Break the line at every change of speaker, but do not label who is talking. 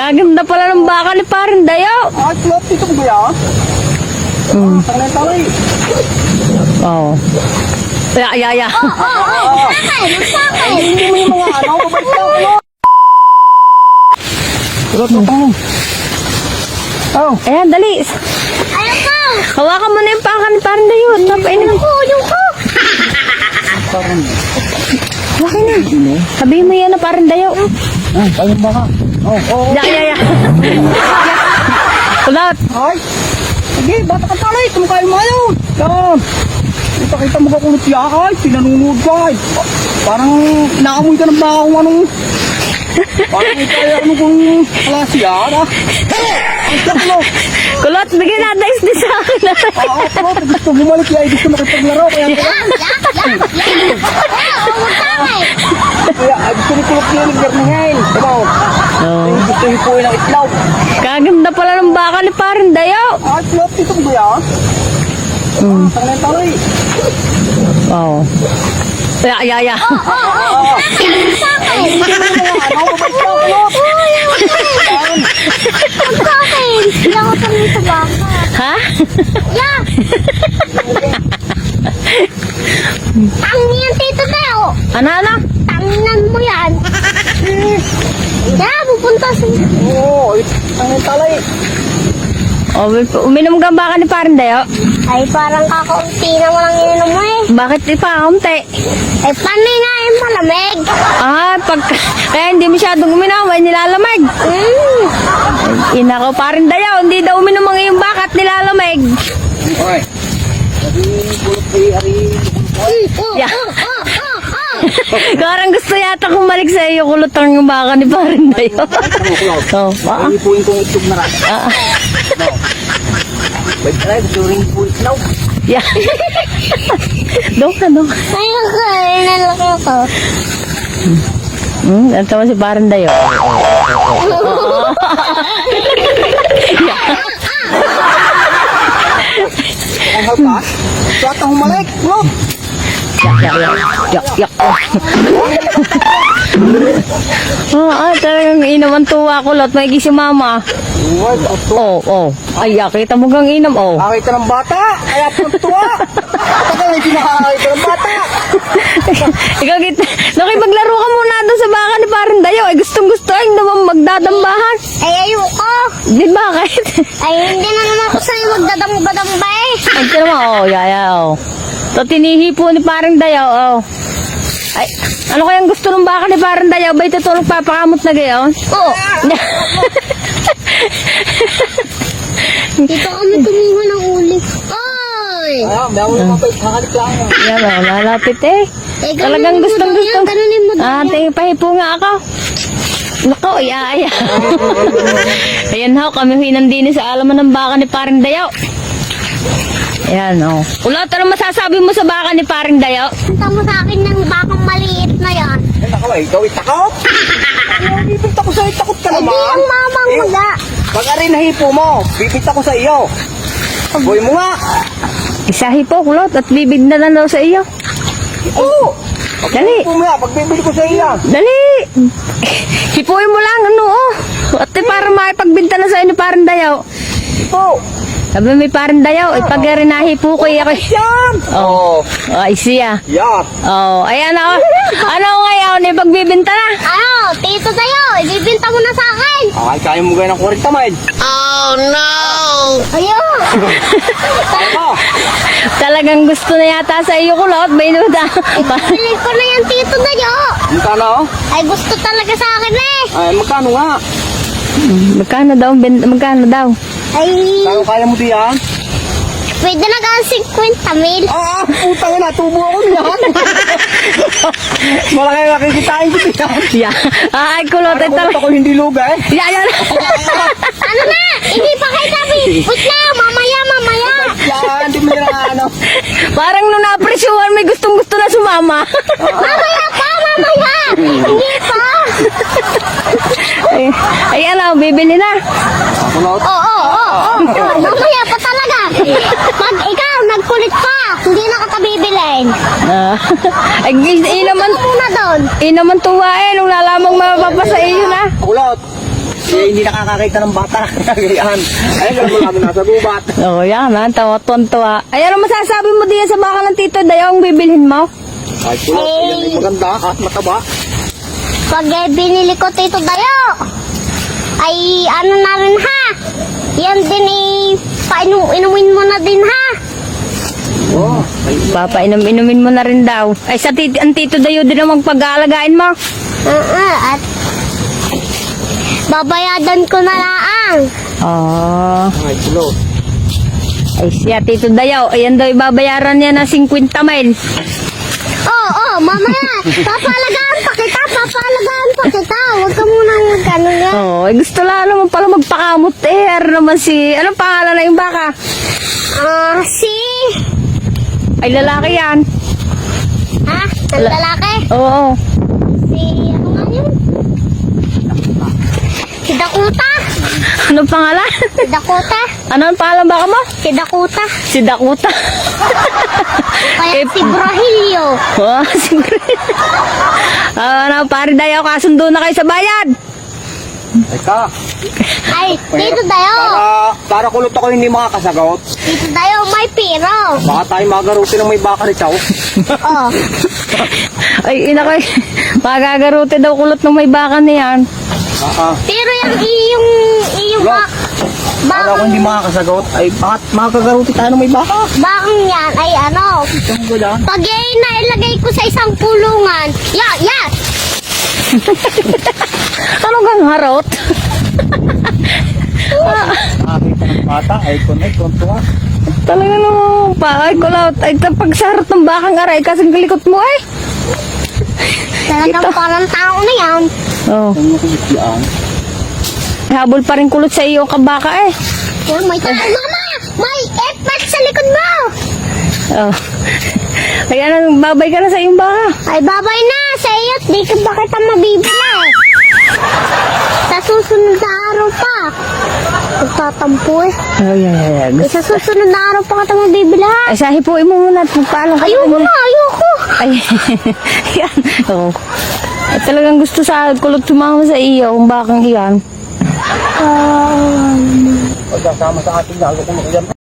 Kaganda pala ng baka ni Paring Dayo.
Ay, kulot, dito ko ba yan? Tanay-tanay.
Oo. Ya.
Ay, hindi mo yung mga ano, babalik lang, kulot. Kulot, matang. Oh.
Ayan, dali.
Ayaw ko!
Hawakan mo na yung baka ni Paring Dayo. Tapainin mo.
Yung ko!
Hawakan na. Sabihin mo yan na Paring Dayo.
Ay, ayun baka. Oh.
Ya. Kulot.
Ay. Sige, bata ka talay. Tumukay mo ayaw. Yan. Kita mo ka kulot yan. Ay, pinanunood ka. Ay. Parang naamoy ka ng baka kung anong... Parang kaya ano kung klase yan, ah. Ay, kulot.
Kulot, bigyan natin isdi sa akin.
Kulot, gusto bumalik yan. Gusto makipaglaro. Kaya gusto ni kulot yan. Naggarnahin. Diba? Gusto hipuin ng itlog.
Kaganda pala ng baka ni Paring Dayo.
Ay, kulot, dito ko ba yan? Tanay-tanay.
Oo. Ya.
Ay, hindi mo yung mga ano, babalik lang, kulot.
Sa akin! Hindi ako tanong sa baka.
Ha?
Yeah! Tangin yan, Tito Teo!
Ano?
Tanginan mo yan! Yeah, pupunta sa...
Oo, ang talay.
Oh, uminom ka ang baka ni Paring Dayo?
Ay, parang kakaunti na walang ininom mo eh.
Bakit ipakamte?
Ay, paano nga yung malamig?
Kaya hindi masyadong uminom, ay nilalamig. Ina ko, Paring Dayo, hindi daw uminom ang iyong baka at nilalamig.
Okay. Sabi, kulot ay ari.
Yeah. Parang gusto yata kumalik sa iyo, kulutang yung baka ni Paring Dayo. Oh, baka?
Ay, hipuin kong itlog na rin. Wait, ay, gusto rin hipuin itlog.
Yeah. Doon ka.
Ay, nalaki ako.
Ang tawa si Paring Dayo.
Ang halpas. Suat ang humalik. Kulot.
Yak. Talagang inaman tuwa kulot. May si mama.
Uwag, ato.
Oh. Ay, kita mo gang inam, oh.
Akay ka ng bata. Kaya tuwa. Tagal ay sinakakay ka ng bata.
Ikaw nakipaglaro ka muna doon sa baka ni Paring Dayo. Ay, gustong-gusto ay naman magdadambahan.
Ay, ayoko.
Di bakit?
Ay, hindi na naman ako sa'yo magdadamba eh.
Ay, tira mo, oh, yaya, oh. So, tinihipo ni Paring Dayo, oh. Ay, ano kayang gusto ng baka ni Paring Dayo? Ba itutulog papakamot na gayon?
Oo. Dito kami kumuha ng ulit. Oy!
Ayaw, may ako naman pa kakalik lang.
Yan, oh, malapit eh. Talagang gustong-gusto.
Ganunin mo daw yan.
Tingin pahipo nga ako. Nako, iya. Ayan ho, kami hinandini sa alaman ng baka ni Paring Dayo. Ayan, oh. Kulot, ano masasabi mo sa baka ni Paring Dayo?
Punta mo sa akin ng bakang maliit na yan.
Ay, nako, ay, gawin takot. Bibit ako sa'yo, takot ka
Hindi
naman.
ang mamang maga.
Pag arin nahipo mo, bibit ako sa iyo. Boy mo nga.
Isahi po, kulot, at bibig na lang daw sa iyo.
Oo.
Dali.
Hipo mo nga, pag bibili ko sa iyo.
Dali! Hipuin mo lang, ano, oh. At para makipagbinta na sa inyo, Paring Dayo.
Hipo.
Sabi may Paring Dayo, pag rin nahipo ko, ako.
Yan.
Oh, ay siya.
Yan.
Oh, ayan ako. Ano ngayon, ipagbibinta na?
Ano, Tito Tayo, ibibinta mo na sa akin.
Ay, kaya mo gaya ng 40 mile.
Ayun.
Kaya mo.
Talagang gusto na yata sa iyo, kulot. Bayuda.
Bili ko na yan, Tito Tayo.
Magkano?
Ay, gusto talaga sa akin eh.
Ay, magkano nga?
Magkano daw?
Ay,
Kaya mo diyan?
pwede na ka 50 mil.
Ah, putang na, tubo ako niyan. Malaki nakikitain ko diyan.
Yeah. Ay, kulot. Ay,
Ano ako hindi luga eh.
Yan.
Ano na? Hindi pa kayo sabi. Wait na, mamaya.
Yan, di mo yung ano.
Parang nung na-appreciate, may gustong-gusto na sumama.
Mamaya. Hindi pa.
Ay, ano, bibili na.
Kulot.
Oo. Mamaya pa talaga. Pag ikaw nagkulit pa, hindi na kita bibilin.
Ay, inaman
Muna doon.
tuwa eh, nung lalamang mapapasa iyo na.
Kulot. hindi nakakakita ng bata. Ganyan. Ayun, alam mo namin nasa gubat.
Oh, yan ha. Tawa-tuwa. Ay, ano masasabi mo diyan sa baka ng Tito Dayaw ang bibilhin mo?
Ay, kulot. Ayan ay maganda at mataba.
Pag binili ko Tito Dayo, ay ano na rin ha. Yan din inumin mo na din ha.
Oh, ay,
Papainom-inumin mo na rin daw. Ay, ang Tito Dayaw din ang magpag-aalagain mo.
At babayadan ko na lang.
Oh.
ay, kulot.
Ay, siya Tito Dayaw. Ayan daw, ibabayaran niya na 50 mil.
Mamaya, papalagaan pa kita. Huwag ka munang magkano nga.
Oh, ay gusto lang naman pala magpakamot eh. Ano naman si, anong pangalan na yung baka? Ay, lalaki yan.
Ang lalaki?
Oo.
Ano nga yun? Si Dakota.
Anong pangalan?
Si Dakota.
Ano ang pangalan baka mo?
Si Dakota.
Si Dakota.
Kaya si Brahilio.
Oh, siguro. Ano, pare Dayaw, kasundo na kayo sa bayad.
Teka.
Ay, Tito Dayo.
Para kulot ako hindi makakasagot.
Tito Dayo, may piro.
Baka tayo magaruti ng may baka ni Chow.
Oh.
Ay, ina ko. Magagarote daw kulot ng may baka niyan.
Pero yung
Wala. Para ako hindi makakasagot, ay bakit makakagaruti tayo ng may baka?
bakang yan ay ano,
Ito mo ba
pag nailagay ko sa isang pulungan, yes!
Ano kang harot?
Nakakita ng bata, ay tuntua.
Talaga naman pa. Ay, kulot. Ay, pag sa harot ng bakang aray, kasing likot mo eh.
Talagang parang tao na yan.
Oh.
Ang nakikiyaan.
Habol pa rin kulot sa iyo ang kabaka eh.
Oh, may tao. Mama! May effect sa likod mo!
Oh. Kaya nang babay ka na sa iyong baka.
Ay, babay na sa iyo. Di ka ba kita mabibili? Sa susunod na araw pa. Magtatampo eh.
Ay.
Sa susunod na araw pa kita mabibili ha.
Ay, sahipuin mo muna at magpaalam ka.
Ayoko na, ayoko.
Ay, yan. Oh. Ay, talagang gusto sa kulot sumama sa iyo ang bakang iyan.
Pagkasama sa ating lalo kung yan.